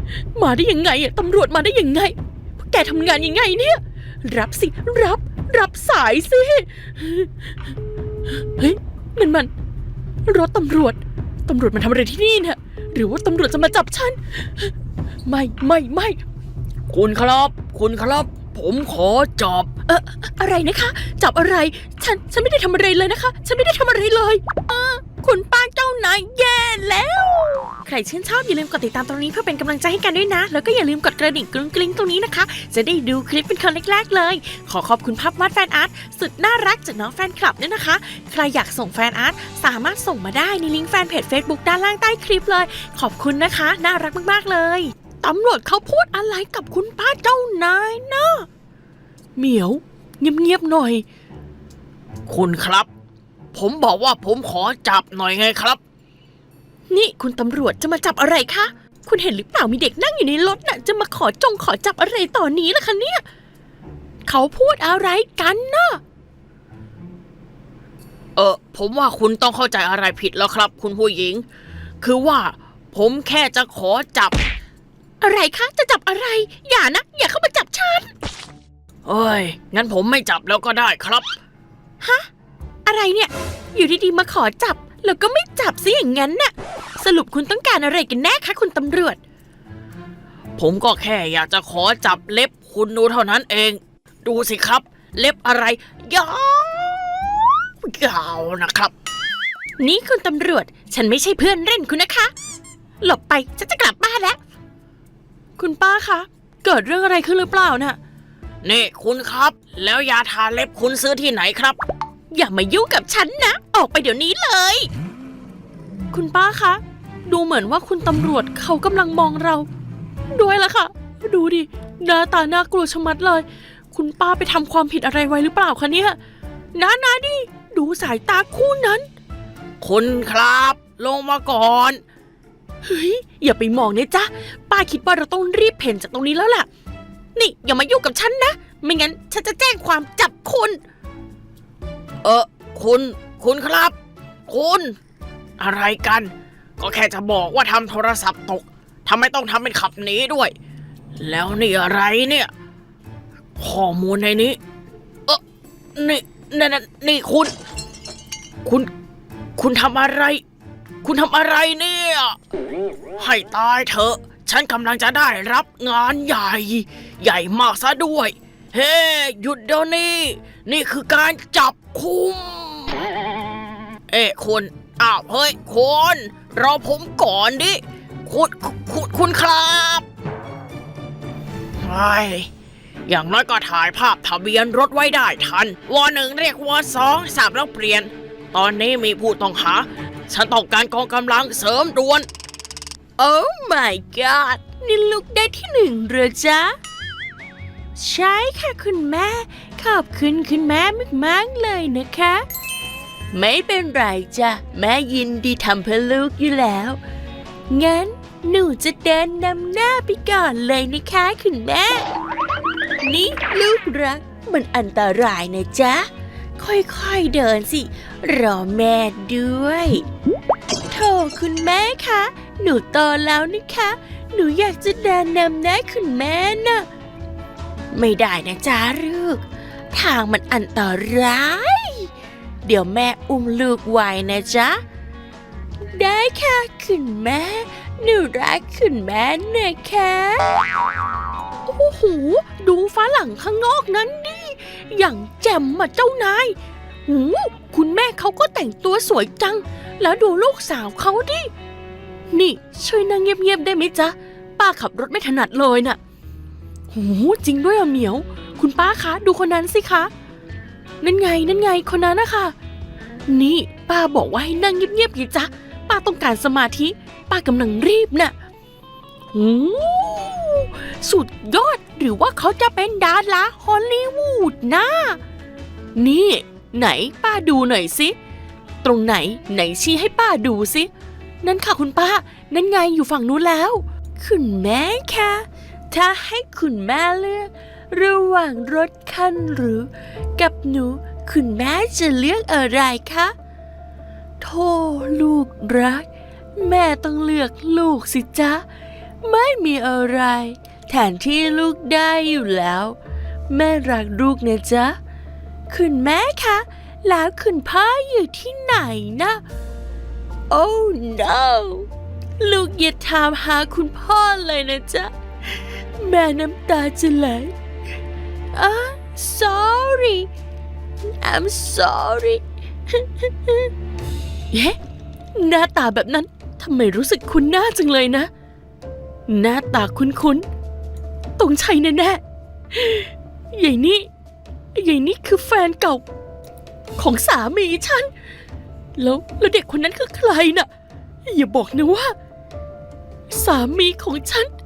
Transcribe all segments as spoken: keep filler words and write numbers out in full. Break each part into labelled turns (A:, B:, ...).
A: มาได้ยังไงอะตำรวจมาได้ยังไงแกทำงานยังไงเนี่ยรับสิรับรับสายสิเฮ้ยนั่นมันรถตำรวจตำรวจมาทำอะไรที่นี่เนี่ยหรือว่าตำรวจจะมาจับฉันไม่ไม่ไม่คุณครับคุณครับผมขอจับเอออะไรนะคะจับอะไรฉันฉันไม่ได้ทำอะไรเลยนะคะฉันไม่ได้ทำอะไรเลยเออคุณป้าเจ้านายแย่แล้วใครชื่นชอบอย่าลืมกดติดตามตรงนี้เพื่อเป็นกำลังใจให้กันด้วยนะแล้วก็อย่าลืมกดกระดิ่งกรุ้งกริ้งตรงนี้นะคะจะได้ดูคลิปเป็นคนแรกๆเลยขอขอบคุณภาพวาดแฟนอาร์ตสุดน่ารักจากน้องแฟนคลับด้วยนะคะใครอยากส่งแฟนอาร์ตสามารถส่งมาได้ในลิงก์แฟนเพจ Facebook ด้านล่างใต้คลิปเลยขอบคุณนะคะน่ารักมากๆเลยตำรวจเขาพูดอะไรกับคุณป้าเจ้านายนะเหมียวเงียบๆหน่อยคุณครับผมบอกว่าผมขอจับหน่อยไงครับนี่คุณตำรวจจะมาจับอะไรคะคุณเห็นหรือเปล่ามีเด็กนั่งอยู่ในรถน่ะจะมาขอจงขอจับอะไรตอนนี้ล่ะคะเนี่ยเขาพูดอะไรกันนะเออผมว่าคุณต้องเข้าใจอะไรผิดแล้วครับคุณผู้หญิงคือว่าผมแค่จะขอจับอะไรคะจะจับอะไรอย่านะอย่าเข้ามาจับฉันเอ้ยงั้นผมไม่จับแล้วก็ได้ครับฮะอะไรเนี่ยอยู่ดีๆมาขอจับแล้วก็ไม่จับซิอย่างงั้นน่ะสรุปคุณต้องการอะไรกันแน่คะคุณตำรวจผมก็แค่อยากจะขอจับเล็บคุณดูเท่านั้นเองดูสิครับเล็บอะไรยาวยาวนะครับนี่คุณตำรวจฉันไม่ใช่เพื่อนเล่นคุณนะคะหลบไปฉันจะกลับบ้านแล้วคุณป้าคะเกิดเรื่องอะไรขึ้นหรือเปล่าน่ะนี่คุณครับแล้วยาทาเล็บคุณซื้อที่ไหนครับอย่ามายุ่งกับฉันนะออกไปเดี๋ยวนี้เลยคุณป้าคะดูเหมือนว่าคุณตำรวจเขากำลังมองเราด้วยล่ะค่ะดูดิหน้าตาน่ากลัวชะมัดเลยคุณป้าไปทำความผิดอะไรไว้หรือเปล่าคะเนี่ยนานาดิดูสายตาคู่นั้นคุณครับลงมาก่อนเฮ้ยอย่าไปมองเนี่ยจ๊ะป้าคิดว่าเราต้องรีบเพ่นจากตรงนี้แล้วล่ะนี่อย่ามายุ่งกับฉันนะไม่งั้นฉันจะแจ้งความจับคุณเออคุณคุณครับคุณอะไรกันก็แค่จะบอกว่าทำโทรศัพท์ตกทำไมต้องทำเป็นขับหนีด้วยแล้วนี่อะไรเนี่ยข้อมูลในนี้เออนี่นี่นี่คุณคุณคุณทำอะไรคุณทำอะไรเนี่ยให้ตายเถอะฉันกำลังจะได้รับงานใหญ่ใหญ่มากซะด้วยเฮ้หยุดเดี๋ยวนี้นี่คือการจับคุมเอ้คุณอ้าวเฮ้ยคุณรอผมก่อนดิคุณคุณคุณครับไอ้อย่างน้อยก็ถ่ายภาพทะเบียนรถไว้ได้ทันวอหนึ่งเรียกวอสองสับแล้วเปลี่ยนตอนนี้มีผู้ต้องหาฉันต้องการกองกำลังเสริมด่วนโอ้ my god นี่ลูกได้ที่หนึ่งเหรอจ๊ะใช่ค่ะคุณแม่ขอบคุณคุณแม่มากๆเลยนะคะไม่เป็นไรจ้ะแม่ยินดีทำเพื่อลูกอยู่แล้วงั้นหนูจะเดินนำหน้าไปก่อนเลยนะคะคุณแม่นี่ลูกรักมันอันตรายนะจ๊ะค่อยๆเดินสิรอแม่ด้วยโธ่คุณแม่คะหนูโตแล้วนะคะหนูอยากจะเดินนำหน้าคุณแม่น่ะไม่ได้นะจ๊ะลูกทางมันอันตรายเดี๋ยวแม่อุ้มลูกไว้นะจ๊ะได้ค่ะคุณแม่หนูรักคุณแม่นะคะโอ้โหดูฝรั่งข้างนอกนั้นดิอย่างแจ่มมาเจ้านายหูคุณแม่เขาก็แต่งตัวสวยจังแล้วดูลูกสาวเขาดินี่ช่วยนั่งเงียบๆได้ไหมจ๊ะป้าขับรถไม่ถนัดเลยน่ะหูจริงด้วยอะเหมียวคุณป้าคะดูคนนั้นสิคะนั่นไงนั่นไงคนนั้นนะคะนี่ป้าบอกว่าให้นั่งเงียบๆไงจ๊ะป้าต้องการสมาธิป้ากำลังรีบน่ะหูสุดยอดหรือว่าเขาจะเป็นดาราฮอลลีวูดนะนี่ไหนป้าดูหน่อยสิตรงไหนไหนชี้ให้ป้าดูสินั่นค่ะคุณป้านั่นไงอยู่ฝั่งนู้นแล้วคุณแม่คะถ้าให้คุณแม่เลือกระหว่างรถคันหรือกับหนูคุณแม่จะเลือกอะไรคะโธ่ลูกรักแม่ต้องเลือกลูกสิจ๊ะ
B: ไม่มีอะไรแทนที่ลูกได้อยู่แล้วแม่รักลูกนะจ๊ะคุณแม่คะแล้วคุณพ่ออยู่ที่ไหนนะโอ้ no ลูกอย่าถามหาคุณพ่อเลยนะจ๊ะแม่น้ำตาจะไหลอ่ะ sorry I'm sorry เย้หน้าตาแบบนั้นทำไมรู้สึกคุ้นหน้าจังเลยนะหน้าตาคุ้นๆตรงใช่แน่ๆใหญ่นี่ใหญ่นี่คือแฟนเก่าของสามีฉันแล้วแล้วเด็กคนนั้นคือใครน่ะอย่าบอกนะว่าสามีของฉัน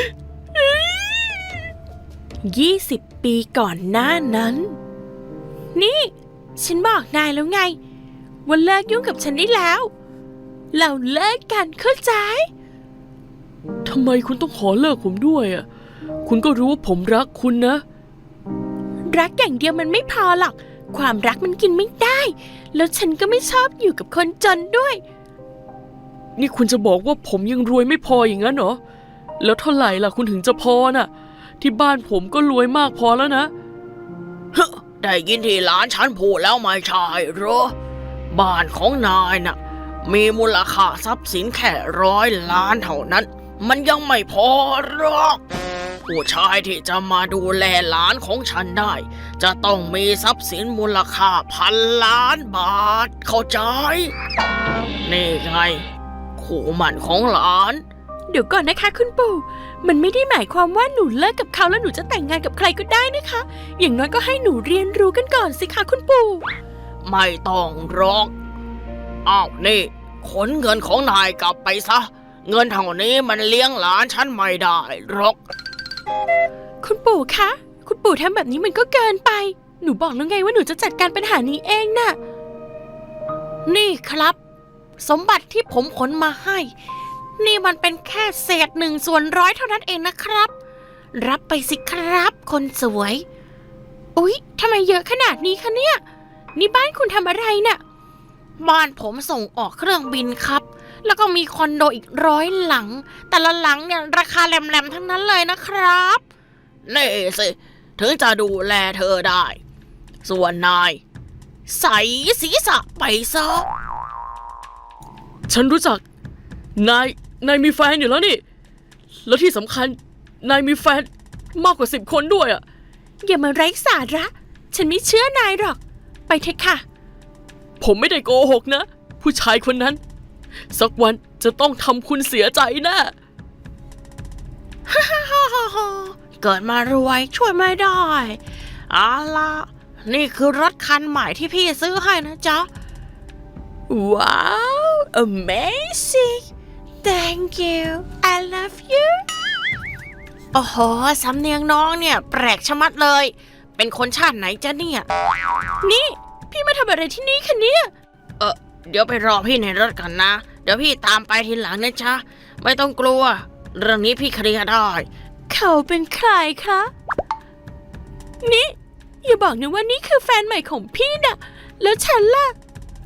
B: ยี่สิบปีก่อนหน้านั้นนี่ฉันบอกนายแล้วไงว่าเลิกยุ่งกับฉันได้แล้วเราเลิกกันเข้าใจทำไมคุณต้องขอเลิกผมด้วยอ่ะคุณก็รู้ว่าผมรักคุณนะรักอย่างเดียวมันไม่พอหรอกความรักมันกินไม่ได้แล้วฉันก็ไม่ชอบอยู่กับคนจนด้วยนี่คุณจะบอกว่าผมยังรวยไม่พออย่างนั้นเหรอแล้วเท่าไหร่ล่ะคุณถึงจะพอน่ะที่บ้านผมก็รวยมากพอแล้วนะ
A: เฮ้ได้ยินที่หลานฉันพูดแล้วไม่ใช่เหรอบ้านของนายน่ะมีมูลค่าทรัพย์สินแค่ร้อยล้านเท่านั้นมันยังไม่พอหรอกผู้ชายที่จะมาดูแลหลานของฉันได้จะต้องมีทรัพย์สินมูลค่าพันล้านบาทเข้าใจนี่ไงคู่หมั่นของหลาน
B: เดี๋ยวก่อนนะคะคุณปู่มันไม่ได้หมายความว่าหนูเลิกกับเขาแล้วหนูจะแต่งงานกับใครก็ได้นะคะอย่างน้อยก็ให้หนูเรียนรู้กันก่อนสิคะคุณปู่
A: ไม่ต้องหรอกอ้าวนี่ขนเงินของนายกลับไปซะเงินเท่านี้มันเลี้ยงหลานฉันไม่ได้หรอก
B: คุณปู่คะคุณปู่ทำแบบนี้มันก็เกินไปหนูบอกแล้วไงว่าหนูจะจัดการปัญหานี้เองน่ะ
A: นี่ครับสมบัติที่ผมขนมาให้นี่มันเป็นแค่เศษหนึ่งส่วนร้อยเท่านั้นเองนะครับรับไปสิครับคนสวย
B: อุ๊ยทำไมเยอะขนาดนี้คะเนี่ยนี่บ้านคุณทำอะไรน่ะ
A: บ้านผมส่งออกเครื่องบินครับแล้วก็มีคอนโดอีกร้อยหลังแต่ละหลังเนี่ยราคาแหลมๆทั้งนั้นเลยนะครับนี่สิถึงจะดูแลเธอได้ส่วนนายใส่ศีรษะไปซะ
B: ฉันรู้จักนายนายมีแฟนอยู่แล้วนี่แล้วที่สำคัญนายมีแฟนมากกว่าสิบคนด้วยอ่ะอย่ามาไร้สาระฉันไม่เชื่อนายหรอกไปเถอะค่ะผมไม่ได้โกหกนะผู้ชายคนนั้นสักวันจะต้องทำคุณเสียใจแน่
A: ฮ่าฮ่าฮ่าฮ่าเกิดมารวยช่วยไม่ได้เอาล่ะนี่คือรถคันใหม่ที่พี่ซื้อให้นะจ๊ะ
B: ว้าว amazing thank you I love you
A: โอ้โหสำเนียงน้องเนี่ยแปลกชะมัดเลยเป็นคนชาติไหนจ๊ะเนี่ย
B: นี่พี่มาทำอะไรที่นี่คะเนี่ย
A: เออเดี๋ยวไปรอพี่ในรถกันนะเดี๋ยวพี่ตามไปทีหลังนะจ๊ะไม่ต้องกลัวเรื่องนี้พี่เคลียร์ได้
B: เขาเป็นใครคะนี่อย่าบอกนะว่านี่คือแฟนใหม่ของพี่นะแล้วฉันล่ะ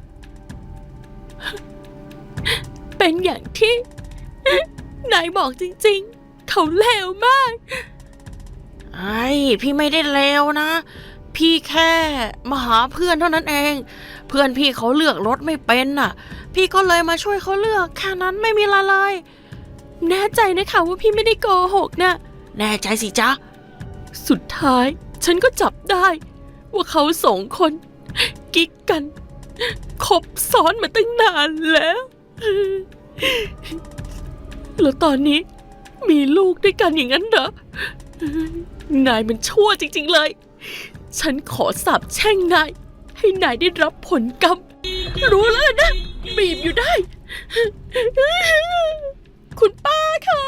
B: เป็นอย่างที่นายบอกจริงๆเขาเลวมาก
A: ไอ้พี่ไม่ได้เลวนะพี่แค่มาหาเพื่อนเท่านั้นเองเพื่อนพี่เขาเลือกรถไม่เป็นน่ะพี่ก็เลยมาช่วยเขาเลือกแค่นั้นไม่มีอะไรเลย
B: แน่ใจนะคะว่าพี่ไม่ได้โกหกนะ
A: แน่ใจสิจ๊ะ
B: สุดท้ายฉันก็จับได้ว่าเขาสองคนกิ๊กกันคบซ้อนมาตั้งนานแล้วแล้วตอนนี้มีลูกด้วยกันอย่างนั้นเหรอนายมันชั่วจริงๆเลยฉันขอสาปแช่งนายให้นายได้รับผลกรรมรู้แล้วนะบีบอยู่ได้คุณป้าคะ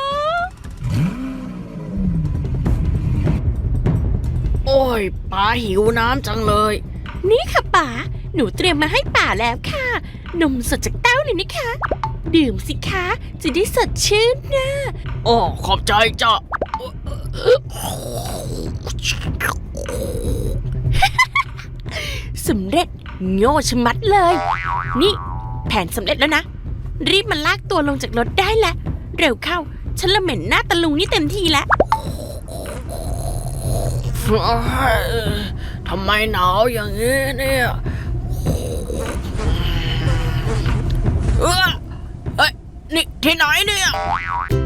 A: โอ้ยป้าหิวน้ำจังเลย
B: นี่ค่ะป๋าหนูเตรียมมาให้ป๋าแล้วค่ะนมสดจากเต้าเลยนะคะดื่มสิคะจะได้สดชื่นนะ
A: อ๋อขอบใจจ้ะ
B: สำเร็จโง่ชะมัดเลยนี่แผนสำเร็จแล้วนะรีบมาลากตัวลงจากรถได้แล้วเร็วเข้าฉันละเหม็นหน้าตะลุงนี่เต็มทีแล้ว
A: ทำไมหนาวอย่างนี้เนี่ยเออเอ้ยนี่ที่ไหนเนี่ย